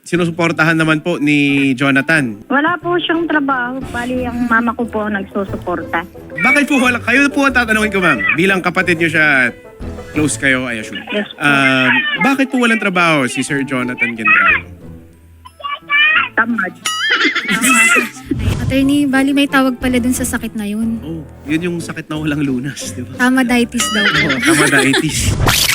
sinusuportahan naman po ni Jonathan? Wala po siyang trabaho. Bali, ang mama ko po nagsusuporta. Bakit po wala? Kayo po ang tatanungin ko, ma'am. Bilang kapatid niyo siya, close kayo, I assume. Yes po. Bakit po walang trabaho si Sir Jonathan Gendrano? Tamad. Attorney, bali may tawag pala dun sa sakit na yun. Oh, yun yung sakit na walang lunas, di ba? Tamaditis daw po. Oh, tamaditis.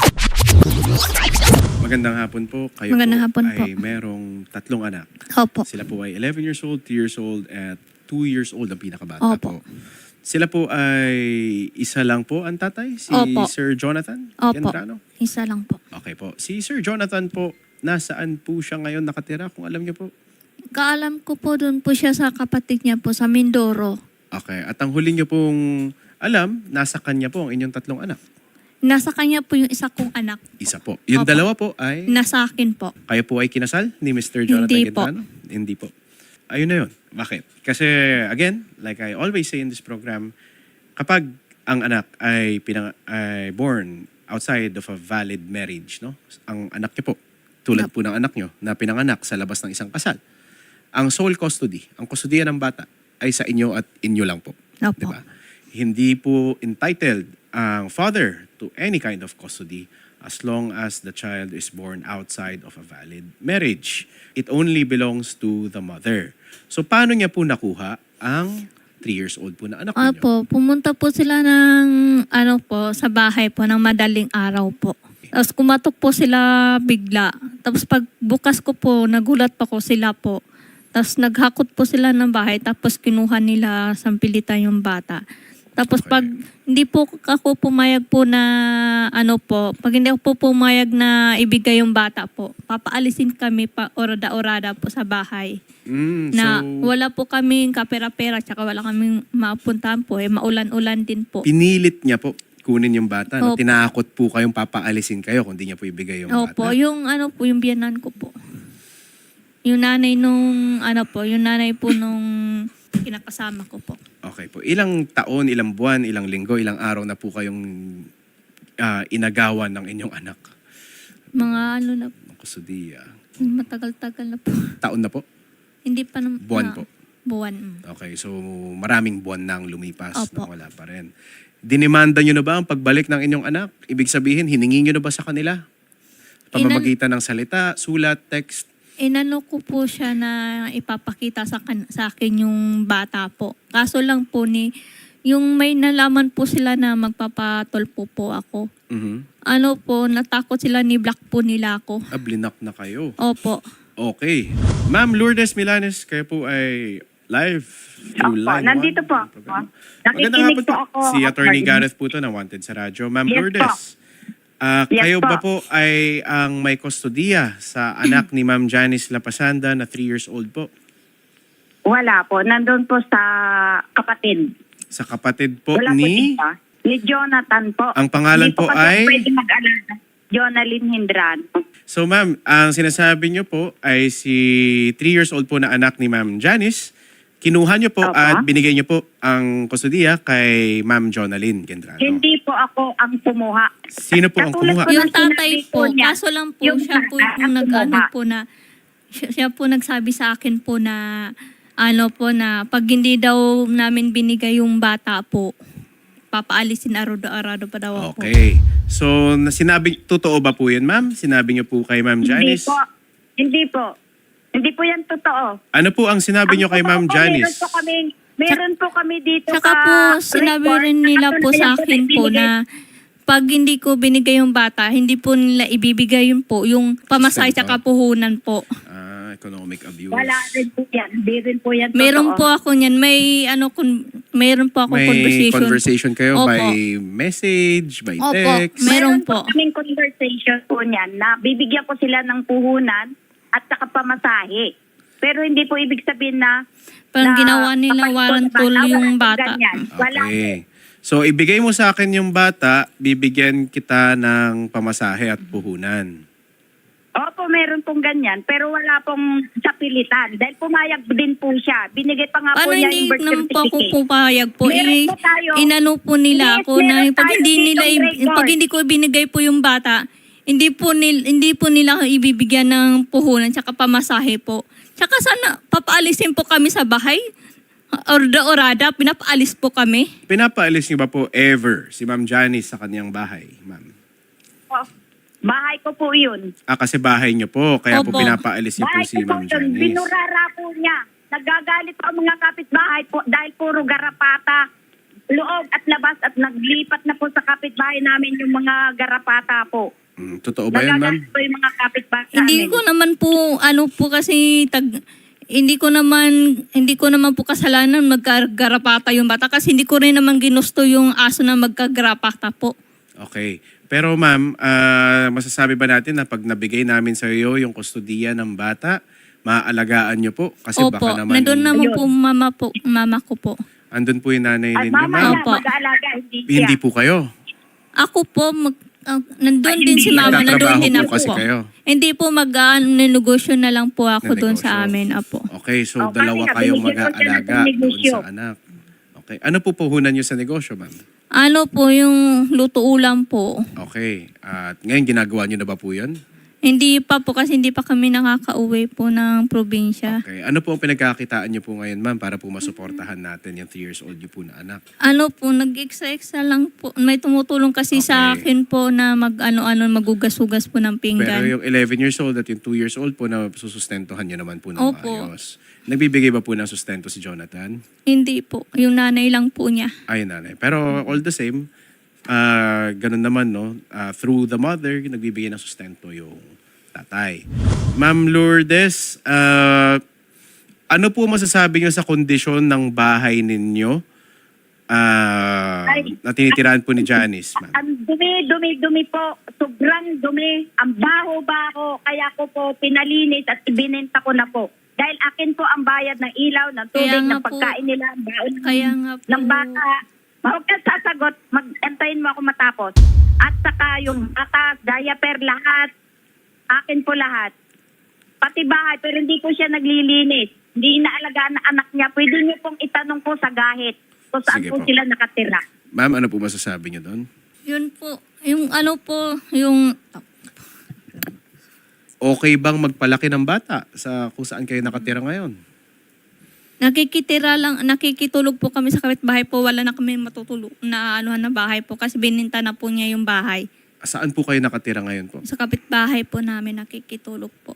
Magandang hapon po. Kayo Magandang hapon po. ay merong 3 anak. Opo. Sila po ay 11 years old, 2 years old, at 2 years old ang pinakabata Opo. po. Sila po ay isa lang po ang tatay, si Opo. Sir Jonathan Opo. Gendrano? Isa lang po. Okay po. Si Sir Jonathan po, nasaan po siya ngayon nakatira kung alam niyo po? Kaalam ko po doon po siya sa kapatid niya po sa Mindoro. Okay. At ang huli niyo pong alam, nasa kanya po ang inyong 3 anak. Nasa kanya po yung isa kong anak. Isa po. Yung Opo. dalawa po ay... Nasa akin po. Kayo po ay kinasal ni Mr. Jonathan Hindi po. Gendrano? Hindi po. Ayun na yun. Bakit? Kasi again, like I always say in this program, kapag ang anak ay born outside of a valid marriage, no? Ang anak niyo po, tulad po ng anak niyo na pinanganak sa labas ng isang kasal, ang sole custody, ang kustodiya ng bata ay sa inyo at inyo lang po. Opo. Diba? Hindi po entitled ang father to any kind of custody as long as the child is born outside of a valid marriage. It only belongs to the mother. So paano niya po nakuha ang 3 years old po na anak niyo? Opo, pumunta po sila ng sa bahay po ng madaling araw po. Tapos kumatok po sila bigla. Tapos pag bukas ko po, nagulat pa ko sila po. Tapos naghakot po sila ng bahay tapos kinuha nila sampilitan yung bata. Tapos Okay. pag hindi po ako pumayag po na pag hindi ako po pumayag na ibigay yung bata po, papaalisin kami pa orada-orada po sa bahay. Na wala po kaming kapera-pera tsaka wala kaming mapuntahan po. Maulan-ulan din po. Pinilit niya po kunin yung bata. No? Opo. Tinakot po kayong papaalisin kayo kung di niya po ibigay yung Opo, bata. yung yung biyanan ko po. Yung nanay yung nanay po nung kinakasama ko po. Okay po. Ilang taon, ilang buwan, ilang linggo, ilang araw na po kayong inagawan ng inyong anak? Mga na Ng kusudiya. matagal-tagal na po. Taon na po? Hindi pa naman. Buwan po. Buwan. Okay, so maraming buwan nang lumipas Opo. na wala pa rin. Dinimanda nyo na ba ang pagbalik ng inyong anak? Ibig sabihin, hiningi nyo na ba sa kanila? Pamamagitan ng salita, sulat, text? Inano ko po siya na ipapakita sa akin yung bata po. Kaso lang po yung may nalaman po sila na magpapatulpo po ako. Mhm. Natakot sila ni Black po nila ako. Blinak na kayo. Opo. Okay. Ma'am Lourdes Milanes, kayo po ay live through Opo, line nandito 1 po ng ako. programa. Nakikinig Magandang hapon po ako, Si Attorney attorney. Gareth po to na Wanted sa radyo. Ma'am Yes Lourdes, Yes kayo po. ba po ay ang may kustodiya sa anak ni Ma'am Janice Lapasanda na 3 years old po? Wala po. Nandun po sa kapatid. Sa kapatid po Wala po ni... dito. Ni Jonathan po. Ang pangalan Hindi po kasi ay? pwede mag-alala. Jonalyn Gendrano. So ma'am, ang sinasabi niyo po ay si 3 years old po na anak ni Ma'am Janice. Kinuha niyo po Opo. at binigay niyo po ang kustodiya kay Ma'am Jonalyn Gendrano. Hindi po ako ang kumuha. Sino po ang Katulad kumuha? po Yung ng tatay sinabi po, niya, kaso lang po yung siya po bata yung ang kumuha. po na siya po nagsabi sa akin po na na pag hindi daw namin binigay yung bata po, papaalisin arado-arado pa daw ako. Okay. So, totoo ba po yun, ma'am? Sinabi niyo po kay Ma'am Hindi Janice? po. Hindi po. Hindi po yan totoo. Ano po ang sinabi niyo kay Ma'am Ang totoo po, Janice? Meron po kami dito Tsaka po, sinabi report rin na nila po katunayan sa na akin po ibinigay. na pag hindi ko binigay yung bata, hindi po nila ibibigay yun po, yung pamasay Sustento. sa puhunan po. Economic abuse. Wala rin po yan. Hindi rin po yan Meron po totoo. ako niyan, meron po ako May conversation kayo Opo. by message, by Opo. text? Meron po. kaming conversation po niyan na bibigyan ko sila ng puhunan at saka pamasahe. Pero hindi po ibig sabihin na Parang na ginawa nila kapag warantol wala yung pong bata. ganyan. Wala po. Okay. So, ibigay mo sa akin yung bata, bibigyan kita ng pamasahe at puhunan. Opo, meron pong ganyan. Pero wala pong sapilitan. Dahil pumayag din po siya. Binigay pa nga po Paano niya hindi yung birth naman po ako certificate. pupayag po? Meron po tayo. Inano po nila Yes, ako na meron pag tayo hindi ditong record. pag hindi ko binigay po yung bata, hindi po nila ibibigyan ng puhunan tsaka pamasahe po. Tsaka sana papaalisin po kami sa bahay. Orada, pinapaalis po kami. Pinapaalis niyo ba po ever si Ma'am Janice sa kaniyang bahay, ma'am? Oh, bahay ko po yun. Kasi bahay niyo po, kaya po Opo. pinapaalis niyo po Bahay si ko po Ma'am yun. Janice. Binurara po niya. Nagagalit po ang mga kapitbahay po dahil puro garapata. Loob at labas at naglipat na po sa kapitbahay namin yung mga garapata po. Totoo ba yun, ma'am? Nagagalit po yung mga kapitbahay Hindi namin. ko naman po hindi ko naman po kasalanan magkagarapata yung bata kasi hindi ko rin naman ginusto yung aso na magkagarapata po. Okay. Pero ma'am, masasabi ba natin na pag nabigay namin sa iyo yung kustudiya ng bata, maaalagaan niyo po? Kasi Opo, baka naman... nandun naman Ayun. po mama ko po. Andun po yung nanay At ninyo, mama ma'am. na Opo. mag-aalaga, hindi siya. Hindi po kayo. Ako po, nandun Ay, din hindi. si mama, nandun Nagtatrabaho din po ako kasi po. kayo. Hindi po negosyo na lang po ako doon sa Negosyo. amin, apo. Okay, so Okay, dalawa nga, kayong binigyan ko siya ng mag-aalaga doon negosyo. sa anak. Okay. Ano po puhunan niyo sa negosyo, ma'am? Ano po, yung luto ulam po. Okay. At ngayon, ginagawa niyo na ba po yun? Hindi pa po kasi hindi pa kami nakakauwi po ng probinsya. Okay. Ano po ang pinagkakitaan niyo po ngayon, ma'am, para po masuportahan natin yung 3 years old niyo po na anak? Ano po, nag-extra lang po. May tumutulong kasi sa Okay. akin po na magugas-ugas po ng Pero pinggan. yung 11 years old at yung 2 years old po na susustentuhan niyo naman po ng Opo. maayos. Nagbibigay ba po ng sustento si Jonathan? Hindi po. Yung nanay lang po niya. Ay, nanay. Pero all the same, ganun naman, no? Through the mother, nagbibigay ng sustento yung tatay. Ma'am Lourdes, ano po masasabi niyo sa kondisyon ng bahay ninyo na tinitirahan po ni Janice, ma'am? Ang dumi po. Sobrang dumi. Ang baho-baho. Kaya ko po pinalinis at ibinenta ko na po. Dahil akin po ang bayad ng ilaw, ng tubig, Kaya nga ng po. pagkain nila, ang baon Kaya nga po. ng bata. Huwag kang sasagot. Mag-antayin mo ako matapos. At saka yung bata, diaper, lahat. Akin po lahat. Pati bahay, pero hindi ko siya naglilinis. Hindi inaalagaan na anak niya. Pwede niyo pong itanong po sa gahit kung saan Sige po po. sila nakatira. Ma'am, ano po masasabi niyo doon? Yun po. Yung ano po, yung... Okay bang magpalaki ng bata sa kung saan kayo nakatira ngayon? Nakikitulog po kami sa kapitbahay po. Wala na kami matutulog na na bahay po kasi bininta na po niya yung bahay. Saan po kayo nakatira ngayon po? Sa kapitbahay po namin nakikitulog po.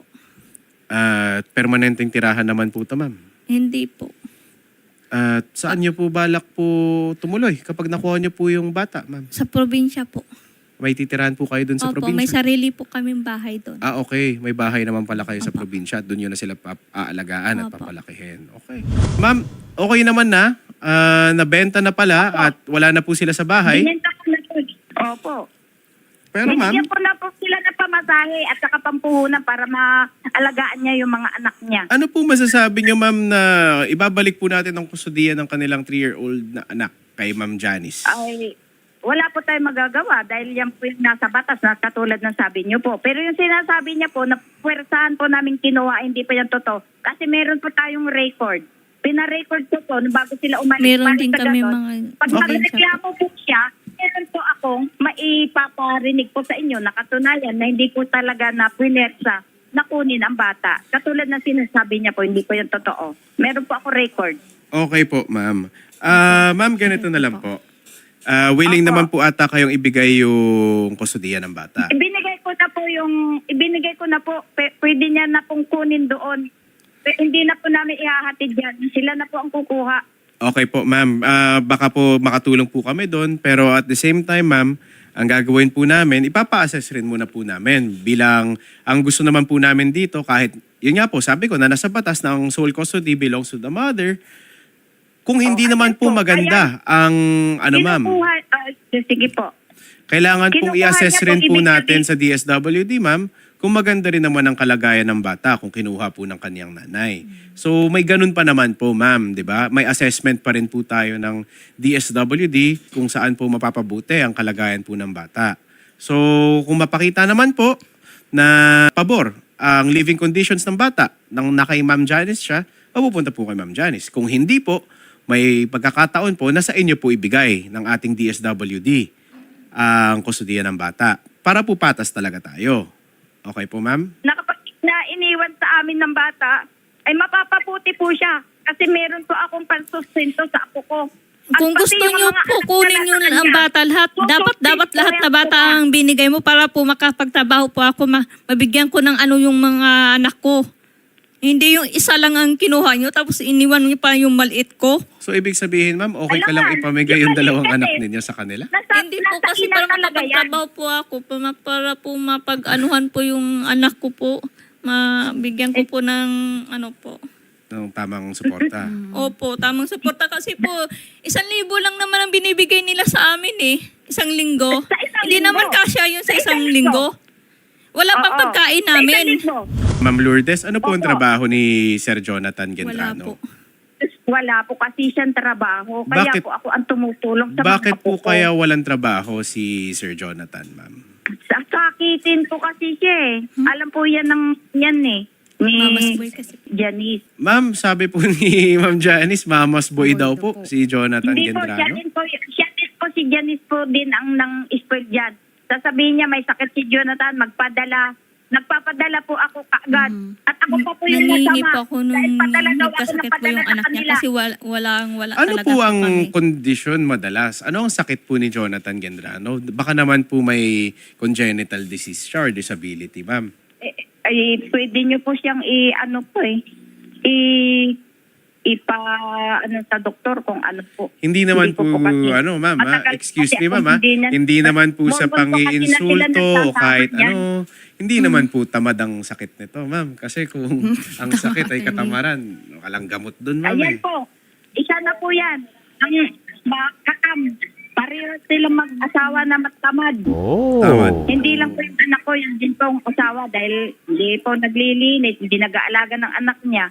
At permanenteng tirahan naman po ito, ma'am. Hindi po. At saan niyo po balak po tumuloy kapag nakuha niyo po yung bata, ma'am? Sa probinsya po. May titirahan po kayo dun sa Opo, may probinsya? sarili po kaming bahay doon. Okay. May bahay naman pala kayo sa probinsya. Doon yun na sila aalagaan at Opo. papalakihin. Okay. Ma'am, okay naman na. Nabenta na pala at wala na po sila sa bahay. Binenta ko na po. Opo. Pero ma'am, Binigyan ko na po sila ng pamasahe at saka pampuhunan para maalagaan niya yung mga anak niya. ano po masasabi niyo, ma'am, na ibabalik po natin ang kustudiya ng kanilang 3-year-old na anak kay Ma'am Janice? Ay, wala po tayong magagawa dahil yan po yung nasa batas na katulad ng sabi niyo po. Pero yung sinasabi niya po na puwersahan po namin kinuha, hindi pa yan totoo. Kasi meron po tayong record. Pina-record ko po bago sila umalis. Meron Para din sa kami ganon, mga... pag Okay. magreklamo po siya, meron po akong maipaparinig po sa inyo na katunayan na hindi po talaga na puwersa na kunin ang bata. Katulad ng sinasabi niya po, hindi po yung totoo. Meron po ako record. Okay po, ma'am. Ma'am, ganito na lang po. Willing Opo. naman po ata kayong ibigay yung kustudiya ng bata. Ibinigay ko na po, pwede niya na pong kunin doon. Hindi na po namin ihahatid yan. Sila na po ang kukuha. Okay po, ma'am. Baka po makatulong po kami doon. Pero at the same time, ma'am, ang gagawin po namin, ipapa-assess rin muna po namin. Bilang, ang gusto naman po namin dito, kahit, yun nga po, sabi ko na nasa batas ng sole custody belongs to the mother, kung hindi naman ayan po po, maganda ang, ano ma'am, Sige po. kailangan pong Kinukuha i-assess niya rin po po ibig natin sabihin- sa DSWD, ma'am, kung maganda rin naman ang kalagayan ng bata kung kinuha po ng kaniyang nanay. So may ganun pa naman po, ma'am, 'di ba? May assessment pa rin po tayo ng DSWD kung saan po mapapabuti ang kalagayan po ng bata. So kung mapakita naman po na pabor ang living conditions ng bata nang nakay Ma'am Janice siya, mapupunta po kay Ma'am Janice. Kung hindi po, may pagkakataon po na sa inyo po ibigay ng ating DSWD ang kustudiya ng bata. para po patas talaga tayo. Okay po, ma'am? Nakapag na iniwan sa amin ng bata, ay mapapaputi po siya. Kasi meron po akong pansustento sa apo ko. At Kung pati gusto yung nyo mga po, anak kunin na nyo nasa na ang kanya. bata lahat. Dapat lahat na bata ang binigay mo para po makapagtrabaho po ako. Mabigyan ko ng ano yung mga anak ko. Hindi yung isa lang ang kinuha nyo tapos iniwan nyo pa yung maliit ko. So, ibig sabihin, ma'am, okay ka Alam lang nga, ipamigay yung yung dalawang maliit anak kasi. ninyo sa kanila? Hindi po kasi para makapagtrabaho po ako. Para po mapag-anuhan po yung anak ko po. Mabigyan ko po ng ano po. Ng tamang suporta. Opo, tamang suporta kasi po, 1,000 lang naman ang binibigay nila sa amin eh. 1 linggo. Sa isang Hindi linggo. naman kasya yun sa Sa isang 1 linggo. Wala pang Oo. pagkain Sa namin. isang linggo. Ma'am Lourdes, ano po ang Opo. trabaho ni Sir Jonathan Wala Gendrano? po. Wala po kasi siyang trabaho. Kaya Bakit- po ako ang tumutulong sa Bakit mga po apo ko. kaya walang trabaho si Sir Jonathan, ma'am? Sasakitin po kasi siya eh. Alam po yan yan eh. Ni Mama's boy kasi. Janice. Ma'am, sabi po ni Ma'am Janice, mama's boy Boy daw daw po po. si Jonathan Hindi po, Gendrano. si Janice po din ang nang spoil dyan. Sasabihin niya may sakit si Jonathan, nagpapadala po ako kaagad. At ako pa po yung Nangihingi masama. po ako nung Dahil padala daw ako ng nagkasakit po padala yung sa anak niya kanila. kasi wala Ano talaga po ang kami. kondisyon madalas? Ano ang sakit po ni Jonathan Gendrano? Baka naman po may congenital disease siya or disability, ma'am. Ay, pwede niyo po siyang sa doktor kung ano po. Hindi naman Hindi po, ko po kasi- ma'am, Matagal excuse kasi me, ako ma'am, hindi naman po sa Bonbon po kasi na sila pang-iinsulto o nagsasama kahit niyan. ano. Hindi naman po tamad ang sakit nito, ma'am. Kasi kung ang sakit ay katamaran, walang gamot dun, ma'am. Ayan po. Isa na po yan. Ang kakam. Pareho sila mag-asawa na matamad. Tamad. Hindi lang po yung anak ko, yung din pong asawa dahil hindi po naglilinis, hindi nag-aalaga ng anak niya.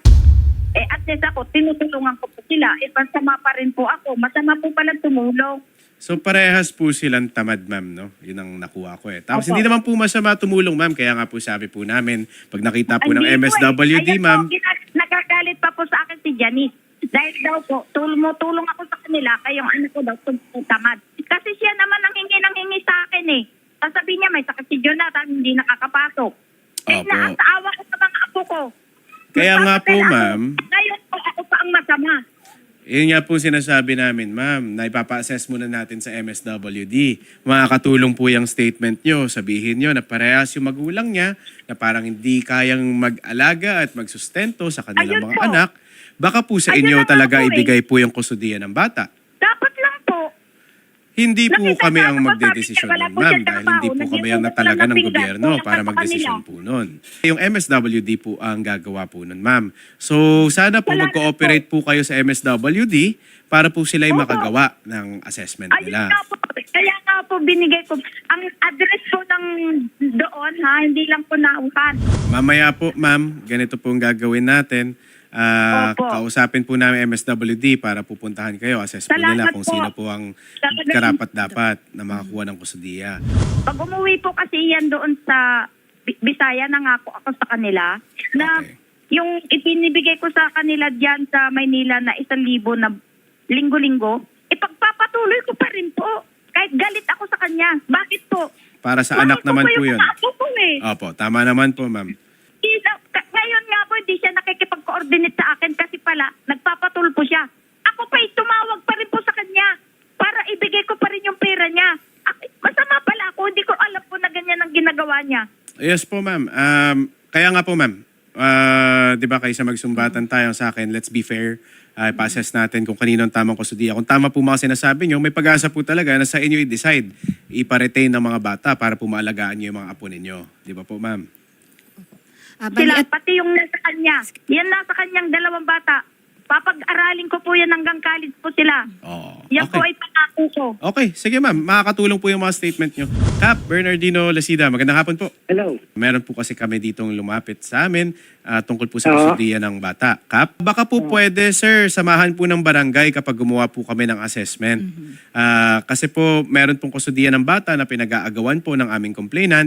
At least ako, tinutulungan ko po sila. Masama pa rin po ako. Masama po pala tumulong. So parehas po silang tamad, ma'am, no? Yun ang nakuha ko eh. Tapos Opo. hindi naman po masama tumulong, ma'am. Kaya nga po sabi po namin, pag nakita po ng Hindi po MSWD, Ayan ma'am, Po, nagagalit pa po sa akin si Janice. Dahil daw po, tulong ako sa kanila, kayong anak ko daw, tamad. Kasi siya naman ang hingi sa akin eh. Sasabihin niya, may sakit si Jonathan, hindi nakakapasok. Opo. Naasaawa ko sa mga apo ko. Kaya nga po, Magpapadala ako. ma'am. Ngayon po, ako pa ang masama. yun nga po sinasabi namin, ma'am, na ipapa-assess muna natin sa MSWD. Makakatulong po yung statement nyo. Sabihin nyo na parehas yung magulang niya, na parang hindi kayang mag-alaga at magsustento sa kanilang Ayun mga po. anak. Baka po sa Ayun inyo na nga talaga po eh. ibigay po yung kustudiya ng bata. Dapat lang po. Hindi po Nakita kami niya, ang sabi magdedesisyon niya, wala nun, po ma'am, siyang dahil hindi po trabaho. kami ang Nag-iutos natalaga lang ng ng pinggan. gobyerno Kulang para lang sa magdesisyon kanila. po nun. Yung MSWD po ang gagawa po nun, ma'am. So, sana po Wala na mag-cooperate po kayo sa MSWD para po sila ay Opo. makagawa ng assessment Ayun nila. nga po. Kaya nga po binigay ko. Ang address po ng doon ha, hindi lang po nauhan. Mamaya po, ma'am, ganito po ang gagawin natin. Opo. Kausapin po namin MSWD para pupuntahan kayo. Assess po nila Salamat kung po. sino po ang Talagang- karapat-dapat na makakuha ng kustudiya. Pag umuwi po kasi yan doon sa Bisaya, nangako ako sa kanila na Okay. yung ipinibigay ko sa kanila diyan sa Maynila na 1,000 na linggo-linggo, ipagpapatuloy ko pa rin po. Kahit galit ako sa kanya. Bakit po? Para sa Mahal anak ko naman po yung yun. mga apo ko eh. Opo, tama naman po, ma'am. Ngayon nga po, hindi siya nakikipag-coordinate sa akin kasi pala, nagpapatulpo siya. Ako pa tumawag pa rin po sa kanya para ibigay ko pa rin yung pera niya. Masama pala ako, hindi ko alam po na ganyan ang ginagawa niya. Yes po, ma'am. Kaya nga po, ma'am. Di ba kaysa magsumbatan tayo sa akin, let's be fair. Pa-assess natin kung kanino ang tamang kustudiya. Kung tama po mga sinasabi nyo, may pag-asa po talaga na sa inyo i-decide, ipa-retain ng mga bata para po maalagaan nyo yung mga apo ninyo. Di ba po, ma'am? Sila, pati yung nasa kanya. Yan nasa kanyang 2 bata. Papag-aralin ko po yan hanggang college po sila. Oh, Yan po okay. ay pangako ko. Okay, sige ma'am. Makakatulong po yung mga statement nyo. Cap, Bernardino Lasida, magandang hapon po. Hello. Meron po kasi kami ditong lumapit sa amin tungkol po sa kustudiya ng bata. Kap, baka po pwede, sir, samahan po ng barangay kapag gumawa po kami ng assessment. Kasi po, meron pong kustudiya ng bata na pinag-aagawan po ng aming complainant.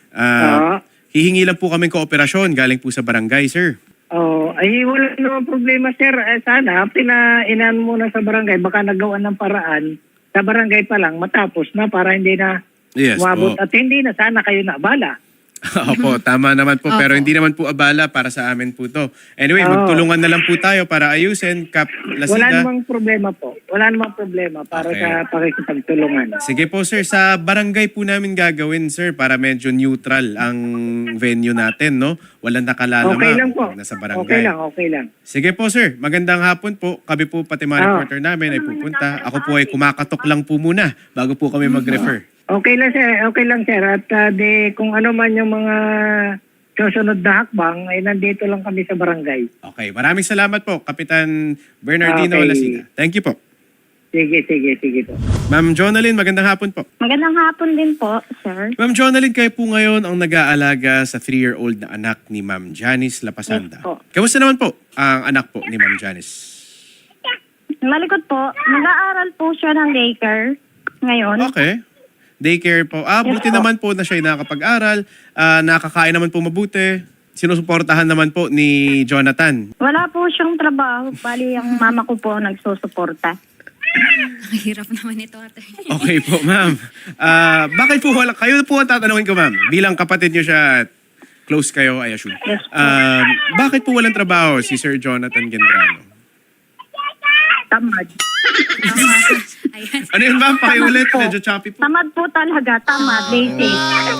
Hihingi lang po kami kooperasyon galing po sa barangay, sir. Ay wala naman problema, sir. Sana pinainan muna sa barangay, baka nagawa ng paraan sa barangay pa lang matapos na para hindi na Yes umabot po. at hindi na sana kayo naabala. Opo, tama naman po. Pero Opo. hindi naman po abala para sa amin po to. Anyway, Oo. magtulungan na lang po tayo para ayusin, Kap Wala Lasida. namang problema po. Wala namang problema para Okay. sa pakikipagtulungan. Sige po sir, sa barangay po namin gagawin sir para medyo neutral ang venue natin, no? Walang nakalalama. Okay lang po. Nasa barangay. Okay lang. Sige po sir, magandang hapon po. Kami po pati mga Oo. reporter namin ay pupunta. Ako po ay kumakatok lang po muna bago po kami mag-refer. Okay lang sir. At kung ano man yung mga susunod na hakbang, ay nandito lang kami sa barangay. Okay, maraming salamat po, Kapitan Bernardino Okay. Lasida. Thank you po. Sige po. Ma'am Jonalyn, magandang hapon po. Magandang hapon din po, sir. Ma'am Jonalyn, kayo po ngayon ang nag-aalaga sa 3-year-old na anak ni Ma'am Janice Lapasanda. Yes po. Kamusta naman po ang anak po ni Ma'am Janice? Malikot po, nag-aaral po siya ng daycare ngayon. Okay. Daycare po. Buti Yes po. naman po na siya ay nakakapag-aral. Nakakain naman po mabuti. Sinusuportahan naman po ni Jonathan. Wala po siyang trabaho, bali ang mama ko po ang nagsusuporta. Ang hirap naman ito, ate. Okay po, ma'am. Bakit po wala? Kayo po ang tatanungin ko, ma'am. Bilang kapatid niyo siya at close kayo, I assume. Yes po. Bakit po walang trabaho si Sir Jonathan Gendrano? Tamad. Ayan. Ano yun, ma'am? Pakiulit. Tamad po. Medyo choppy po. Tamad po talaga, tamad, basic.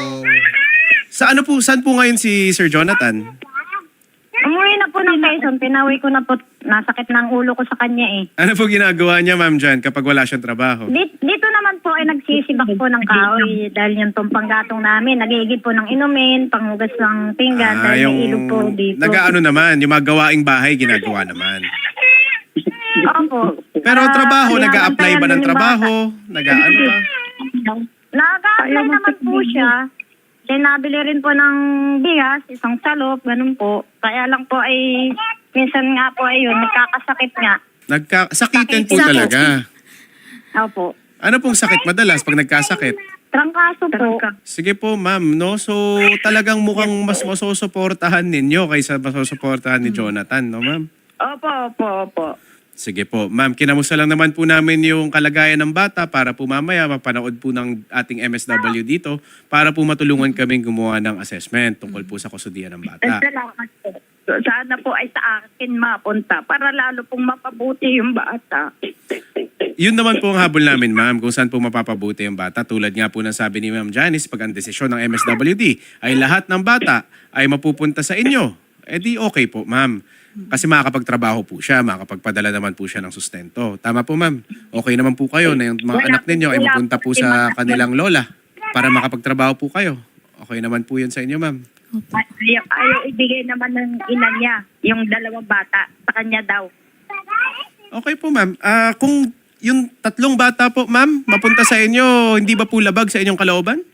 Saan po ngayon si Sir Jonathan? Umuwi na po ng Quezon, pinawi ko na po, nasakit ng ulo ko sa kanya eh. Ano po ginagawa niya, ma'am, dyan kapag wala siyang trabaho? Dito naman po ay nagsisibak po ng kahoy dahil yung tumpang gatong namin, nagigid po ng inumin, panghugas ng pinggan dahil may ilog po dito. Nag-ano naman, yung mga gawaing bahay, ginagawa naman. Opo. Pero trabaho, Kaya nag-a-apply ba ng bantayan trabaho? Nag-ano ba? Nag-a-apply naman po siya. Kaya nabili rin po ng bigas, isang salop, ganun po. Kaya lang po ay, minsan nga po ay yun, nagkakasakit nga. Sakitin po Sakit. talaga. Opo. Ano pong sakit madalas pag nagkasakit? Trangkaso po. Sige po, ma'am, no? So, talagang mukhang mas masusuportahan ninyo kaysa masusuportahan ni Jonathan, no, ma'am? Opo. Sige po. Ma'am, kinamusta lang naman po namin yung kalagayan ng bata para po mamaya mapanood po ng ating MSW dito para po matulungan kaming gumawa ng assessment tungkol po sa kusudian ng bata. Salamat po. Sana po ay sa akin mapunta para lalo pong mapabuti yung bata. Yun naman po ang habol namin, ma'am, kung saan po mapapabuti ang bata. Tulad nga po ng sabi ni Ma'am Janice, pag ang desisyon ng MSWD ay lahat ng bata ay mapupunta sa inyo, di okay po, ma'am. Kasi makakapagtrabaho po siya, makakapagpadala naman po siya ng sustento. Tama po, ma'am. Okay naman po kayo na yung mga anak ninyo ay mapunta po sa kanilang lola para makapagtrabaho po kayo. Okay naman po yun sa inyo, ma'am. Ayaw ibigay naman ng ina niya, yung dalawang bata, sa kanya daw. Okay po, ma'am. Kung yung 3 bata po, ma'am, mapunta sa inyo, hindi ba po labag sa inyong kalooban?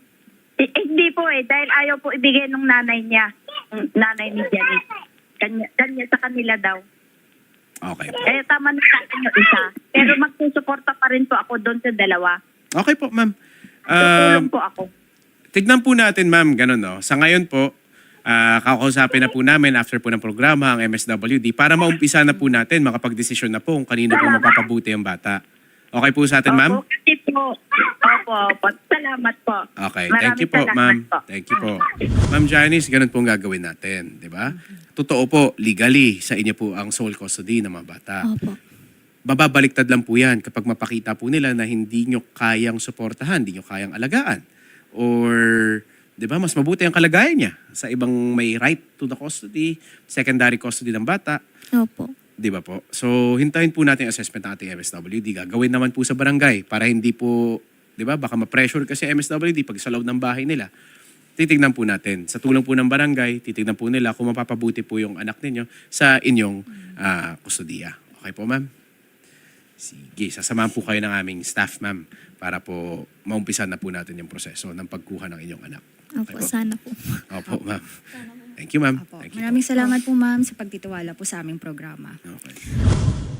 Hindi po dahil ayaw po ibigay ng nanay niya, ng nanay ni Janice. Kanya sa kanila daw. Okay po. Kaya tama na sa akin yung isa. Pero magsusuporta pa rin po ako doon sa dalawa. Okay po, ma'am. Tutulong po ako. Tignan po natin, ma'am, ganun, no? Sa ngayon po, kakausapin na po namin after po ng programa ang MSWD para maumpisa na po natin, makapag-desisyon na po kung kanino po mapapabuti ang bata. Okay po sa atin, ma'am? Opo, kasi po. Opo. Salamat po. Okay, Maraming thank you po, salamat ma'am. po. Thank you po. Ma'am Janice, ganun po ang gagawin natin, di ba? Totoo po, legally, sa inyo po ang sole custody ng mga bata. Opo. Bababaliktad lang po yan kapag mapakita po nila na hindi nyo kayang suportahan, hindi nyo kayang alagaan. Or, di ba, mas mabuti ang kalagayan niya sa ibang may right to the custody, secondary custody ng bata. Opo. Di ba po? So, hintayin po natin yung assessment ng ating MSWD. Gagawin naman po sa barangay para hindi po, di ba, baka ma-pressure kasi MSWD pag sa loob ng bahay nila. Titignan po natin. Sa tulong po ng barangay, titignan po nila kung mapapabuti po yung anak ninyo sa inyong kustudiya. Okay po, ma'am? Sige, sasamahan po kayo ng aming staff, ma'am, para po maumpisan na po natin yung proseso ng pagkuha ng inyong anak. Opo, sana po. Opo, ma'am. Thank you, ma'am. Apo. Thank you po. Maraming salamat po, ma'am, sa pagtitiwala po sa aming programa. Okay.